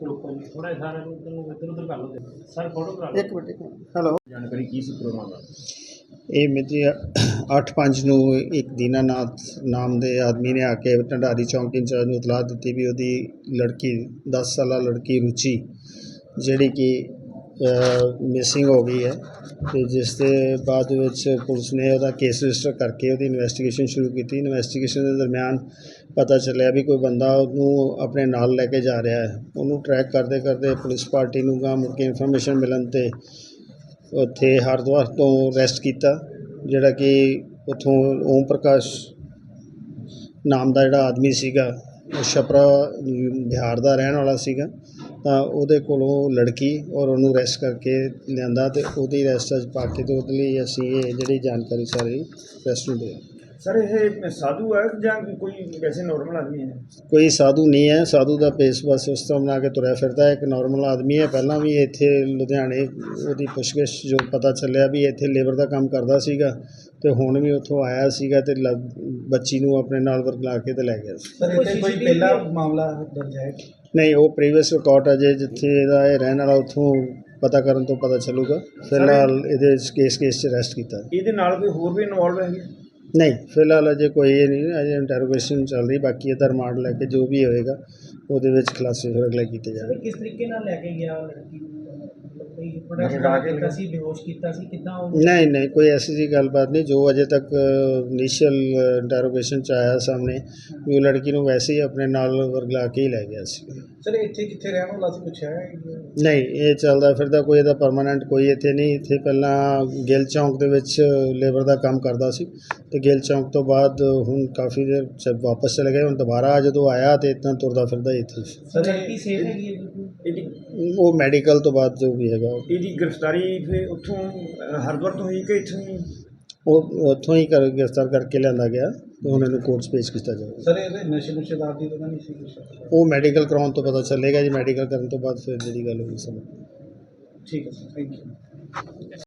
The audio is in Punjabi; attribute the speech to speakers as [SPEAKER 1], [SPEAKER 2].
[SPEAKER 1] ਰੋਕੋ ਜੀ ਥੋੜਾ ਸਾਰਾ ਨੂੰ ਇੱਧਰ ਉੱਧਰ ਕਰ ਲਓ ਸਰ ਫੋਟੋ ਕਰਾ ਲਓ।
[SPEAKER 2] ਇੱਕ ਮਿੰਟ ਹੈਲੋ
[SPEAKER 1] ਜਾਣਕਾਰੀ ਕੀ ਸੀ ਪ੍ਰੋਗਰਾਮ ਦਾ?
[SPEAKER 2] ਇਹ ਮਿਤੀ 8/5 ਨੂੰ ਇੱਕ ਦੀਨਾਨਾਥ ਨਾਮ ਦੇ ਆਦਮੀ ਨੇ ਆ ਕੇ ਢੰਡਾਰੀ ਚੌਂਕ ਇੰਚਾਰਜ ਨੂੰ ਇਤਲਾਹ ਦਿੱਤੀ ਵੀ ਉਹਦੀ ਲੜਕੀ 10 ਸਾਲਾ ਲੜਕੀ ਰੁਚੀ ਜਿਹੜੀ ਕਿ ਮਿਸਿੰਗ ਹੋ ਗਈ ਹੈ ਤੇ ਜਿਸ ਦੇ ਬਾਅਦ ਵਿੱਚ ਪੁਲਿਸ ਨੇ ਉਹਦਾ ਕੇਸ ਰਜਿਸਟਰ ਕਰਕੇ ਉਹਦੀ ਇਨਵੈਸਟੀਗੇਸ਼ਨ ਸ਼ੁਰੂ ਕੀਤੀ। ਇਨਵੈਸਟੀਗੇਸ਼ਨ ਦੇ ਦਰਮਿਆਨ ਪਤਾ ਚੱਲਿਆ ਵੀ ਕੋਈ ਬੰਦਾ ਉਹਨੂੰ ਆਪਣੇ ਨਾਲ ਲੈ ਕੇ ਜਾ ਰਿਹਾ ਹੈ। ਉਹਨੂੰ ਟਰੈਕ ਕਰਦੇ ਕਰਦੇ ਪੁਲਿਸ ਪਾਰਟੀ ਨੂੰ ਗਾਂ ਮੁੜ ਕੇ ਇਨਫੋਰਮੇਸ਼ਨ ਮਿਲਣ 'ਤੇ ਉੱਥੇ ਹਰਿਦੁਆਰ ਤੋਂ ਅਰੈਸਟ ਕੀਤਾ, ਜਿਹੜਾ ਕਿ ਉੱਥੋਂ ਓਮ ਪ੍ਰਕਾਸ਼ ਨਾਮ ਦਾ ਜਿਹੜਾ ਆਦਮੀ ਸੀਗਾ ਉਹ ਛਪਰਾ ਬਿਹਾਰ ਦਾ ਰਹਿਣ ਵਾਲਾ ਸੀਗਾ। ਤਾਂ ਉਹਦੇ ਕੋਲੋਂ ਲੜਕੀ ਔਰ ਉਹਨੂੰ ਅਰੈਸਟ ਕਰਕੇ ਲਿਆਂਦਾ ਤੇ ਉਹਦੀ ਅਰੈਸਟ 'ਚ ਪਾ ਕੇ ਤੇ ਉਹਦੇ ਲਈ ਅਸੀਂ ਇਹ ਜਿਹੜੀ ਜਾਣਕਾਰੀ ਸਾਰੀ ਪ੍ਰੈਸ ਨੂੰ ਦੇ।
[SPEAKER 1] ਸਰ ਇਹ ਸਾਧੂ ਹੈ ਜਾਂ ਕੋਈ ਵੈਸੇ ਨਾਰਮਲ ਆਦਮੀ ਹੈ?
[SPEAKER 2] ਕੋਈ ਸਾਧੂ ਨਹੀਂ ਹੈ। ਸਾਧੂ ਦਾ ਪੇਸ ਬਸ ਉਸ ਤਰ੍ਹਾਂ ਬਣਾ ਕੇ ਤੁਰਿਆ ਫਿਰਦਾ ਹੈ। ਇੱਕ ਨਾਰਮਲ ਆਦਮੀ ਹੈ। ਪਹਿਲਾਂ ਵੀ ਇੱਥੇ ਲੁਧਿਆਣੇ ਉਹਦੀ ਪੁੱਛਗਿੱਛ ਜੋ ਪਤਾ ਚੱਲਿਆ ਵੀ ਇੱਥੇ ਲੇਬਰ ਦਾ ਕੰਮ ਕਰਦਾ ਸੀਗਾ ਤੇ ਹੁਣ ਵੀ ਉੱਥੋਂ ਆਇਆ ਸੀਗਾ ਤੇ ਬੱਚੀ ਨੂੰ ਆਪਣੇ ਨਾਲ ਵਰਗਲਾ ਕੇ ਤੇ ਲੈ ਗਿਆ ਸੀ।
[SPEAKER 1] ਸਰ ਇੱਥੇ ਕੋਈ ਪਹਿਲਾ ਮਾਮਲਾ ਦਰਜ ਹੈ?
[SPEAKER 2] ਨਹੀਂ, ਉਹ ਪ੍ਰੀਵੀਅਸ ਰਿਕਾਰਡ ਹੈ ਜਿੱਥੇ ਇਹਦਾ ਇਹ ਰਹਿਣ ਵਾਲਾ, ਉੱਥੋਂ ਪਤਾ ਕਰਨ ਤੋਂ ਪਤਾ ਚੱਲੂਗਾ। ਫਿਲਹਾਲ ਇਹਦੇ ਕੇਸ 'ਚ ਅਰੈਸਟ ਕੀਤਾ।
[SPEAKER 1] ਇਹਦੇ ਨਾਲ ਕੋਈ ਹੋਰ ਵੀ ਇਨਵੋਲਵ ਹੈਗੇ?
[SPEAKER 2] ਨਹੀਂ, ਫਿਲਹਾਲ ਅਜੇ ਕੋਈ ਇਹ ਨਹੀਂ, ਅਜੇ ਇੰਟਰੋਗੇਸ਼ਨ ਚੱਲ ਰਹੀ। ਬਾਕੀ ਇਹਦਾ ਰਿਮਾਂਡ ਲੈ ਕੇ ਜੋ ਵੀ ਹੋਏਗਾ ਉਹਦੇ ਵਿੱਚ ਖੁਲਾਸੇ ਫਿਰ ਅਗਲੇ ਕੀਤੇ ਜਾਣਗੇ।
[SPEAKER 3] ਕਿਸ ਤਰੀਕੇ ਨਾਲ ਲੈ ਕੇ ਗਿਆ ਲੜਕੀ ਨੂੰ? ਕੋਈ ਪ੍ਰੋਡਕਟ ਕੀਤਾ ਸੀ, ਬੇਹੋਸ਼ ਕੀਤਾ ਸੀ, ਕਿੱਦਾਂ ਉਹ?
[SPEAKER 2] ਨਹੀਂ, ਕੋਈ ਐਸੀ ਜੀ ਗੱਲਬਾਤ ਨਹੀਂ। ਜੋ ਅਜੇ ਤੱਕ ਇਨੀਸ਼ੀਅਲ ਇੰਟਰੋਗੇਸ਼ਨ 'ਚ ਆਇਆ ਸਾਹਮਣੇ ਵੀ ਉਹ ਲੜਕੀ ਨੂੰ ਵੈਸੇ ਹੀ ਆਪਣੇ ਨਾਲ ਵਰਗਲਾ ਕੇ ਹੀ ਲੈ ਗਿਆ ਸੀ।
[SPEAKER 3] ਸਰ ਇੱਥੇ ਕਿੱਥੇ ਰਹਿਣ ਵਾਲਾ ਸੀ ਪੁੱਛਿਆ?
[SPEAKER 2] ਨਹੀਂ, ਇਹ ਚੱਲਦਾ ਫਿਰਦਾ ਕੋਈ ਇਹਦਾ ਪਰਮਾਨੈਂਟ ਕੋਈ ਇੱਥੇ ਨਹੀਂ। ਇੱਥੇ ਪਹਿਲਾਂ ਗਿੱਲ ਚੌਂਕ ਦੇ ਵਿੱਚ ਲੇਬਰ ਦਾ ਕੰਮ ਕਰਦਾ ਸੀ ਤੇ ਗਿੱਲ ਚੌਂਕ ਤੋਂ ਬਾਅਦ ਹੁਣ ਕਾਫੀ ਦੇਰ ਵਾਪਸ ਚਲੇ ਗਏ। ਹੁਣ ਦੁਬਾਰਾ ਜਦੋਂ ਆਇਆ ਤੇ ਇਦਾਂ ਤੁਰਦਾ ਫਿਰਦਾ ਇੱਥੇ।
[SPEAKER 3] ਸਰ ਲੜਕੀ ਸੇਫ ਹੈਗੀ ਹੈ?
[SPEAKER 2] ਉਹ ਮੈਡੀਕਲ ਤੋਂ ਬਾਅਦ ਜੋ ਵੀ ਹੈਗਾ
[SPEAKER 1] ਇਹਦੀ ਗ੍ਰਿਫਤਾਰੀ ਫਿਰ ਉੱਥੋਂ ਹਰਿਦੁਆਰ ਤੋਂ ਹੋਈ ਕਿ ਇੱਥੋਂ?
[SPEAKER 2] ਉਹ ਉੱਥੋਂ ਹੀ ਗ੍ਰਿਫਤਾਰ ਕਰਕੇ ਲਿਆਂਦਾ ਗਿਆ ਤੇ ਹੁਣ ਇਹਨੂੰ ਕੋਰਟ 'ਚ ਪੇਸ਼ ਕੀਤਾ ਜਾਵੇਗਾ।
[SPEAKER 3] ਸਰ ਇਹਦੇ ਨਸ਼ੇ ਨੁਸ਼ੇਦਾਰ ਦੀ ਤਾਂ ਨਹੀਂ ਸੀ ਕੁਛ?
[SPEAKER 2] ਉਹ ਮੈਡੀਕਲ ਕਰਾਉਣ ਤੋਂ ਪਤਾ ਚੱਲੇਗਾ ਜੀ। ਮੈਡੀਕਲ ਕਰਨ ਤੋਂ ਬਾਅਦ ਫਿਰ ਜਿਹੜੀ ਗੱਲ ਹੋਈ ਸਮਝ।
[SPEAKER 3] ਠੀਕ ਹੈ ਸਰ, ਥੈਂਕ ਯੂ।